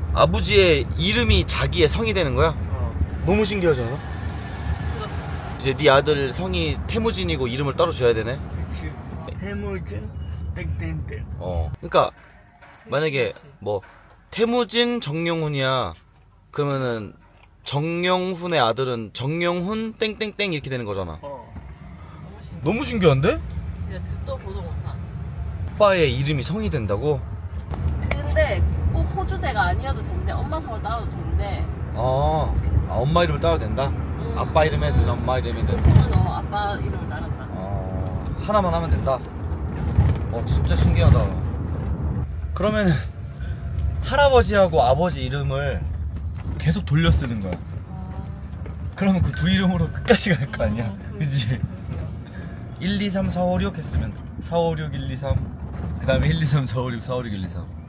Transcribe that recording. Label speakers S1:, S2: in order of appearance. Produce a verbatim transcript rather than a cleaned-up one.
S1: 아버지의 이름이 자기의 성이 되는 거야?
S2: 어.
S1: 너무 신기하지 않아?
S3: 들었어.
S1: 이제 네 아들 성이 태무진이고 이름을 따로 줘야 되네?
S2: 그치. 해무진 땡땡땡.
S1: 어. 그러니까 만약에 뭐 태무진 정용훈이야 그러면은 정용훈의 아들은 정용훈 땡땡땡 이렇게 되는 거잖아.
S2: 어.
S3: 너무 신기해.
S1: 너무 신기한데?
S3: 진짜 듣도 보도 못한.
S1: 오빠의 이름이 성이 된다고?
S3: 근데 꼭 호주제가 아니어도 된대. 엄마 성을 따도 된대.
S1: 아, 아 엄마 이름을 따도 된다?
S3: 음,
S1: 아빠 이름이든
S3: 음.
S1: 엄마 이름이든.
S3: 보통은 어, 아빠 이름을 따른다.
S1: 어, 하나만 하면 된다. 어, 진짜 신기하다. 그러면은 할아버지하고 아버지 이름을 계속 돌려 쓰는 거야.
S3: 아,
S1: 그러면 그 두 이름으로 끝까지 갈 거 아니야.
S3: 음,
S1: 그치? 일, 이, 삼, 사, 오, 육 했으면 사, 오, 육, 일, 이, 삼 그 다음에 일, 이, 삼, 사, 오, 육, 사, 오, 육, 일, 이, 삼